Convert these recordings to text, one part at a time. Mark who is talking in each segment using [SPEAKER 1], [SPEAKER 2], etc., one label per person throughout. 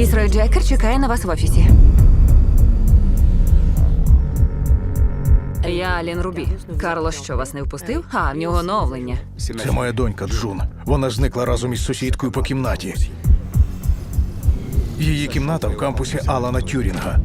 [SPEAKER 1] Вісрой Джекер чекає на вас в офісі. Я Алін Рубі. Карло що, вас не впустив? А, в нього оновлення.
[SPEAKER 2] Це моя донька Джун. Вона зникла разом із сусідкою по кімнаті. Її кімната в кампусі Алана Тюрінга.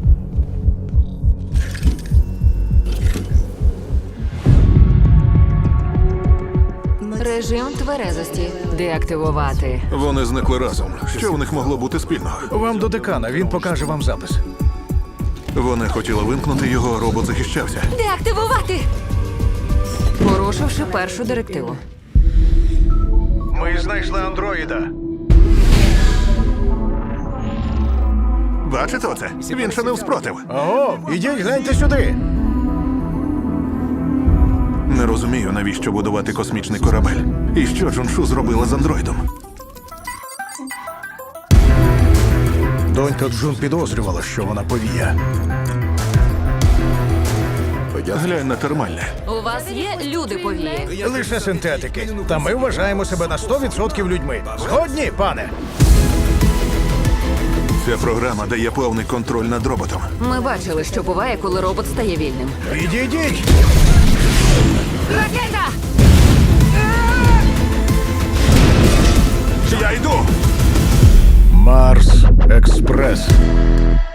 [SPEAKER 1] Режим тверезості. Деактивувати.
[SPEAKER 3] Вони зникли разом. Що в них могло бути спільного?
[SPEAKER 2] Вам до декана, він покаже вам запис.
[SPEAKER 3] Вони хотіли вимкнути його, а робот захищався.
[SPEAKER 1] Деактивувати! Порушивши першу директиву.
[SPEAKER 2] Ми знайшли андроїда.
[SPEAKER 3] Бачите оце? Він ще не вспротив.
[SPEAKER 2] Ого, ідіть, гляньте сюди.
[SPEAKER 3] Не розумію, навіщо будувати космічний корабель. І що Джуншу зробила з андроїдом?
[SPEAKER 2] Донька Джун підозрювала, що вона повія.
[SPEAKER 3] Глянь на термальне.
[SPEAKER 1] У вас є люди повії?
[SPEAKER 2] Лише синтетики. Та ми вважаємо себе на 100% людьми. Згодні, пане?
[SPEAKER 3] Ця програма дає повний контроль над роботом.
[SPEAKER 1] Ми бачили, що буває, коли робот стає вільним.
[SPEAKER 2] Відійдіть!
[SPEAKER 1] Ракета!
[SPEAKER 3] Я йду!
[SPEAKER 2] Марс Експрес.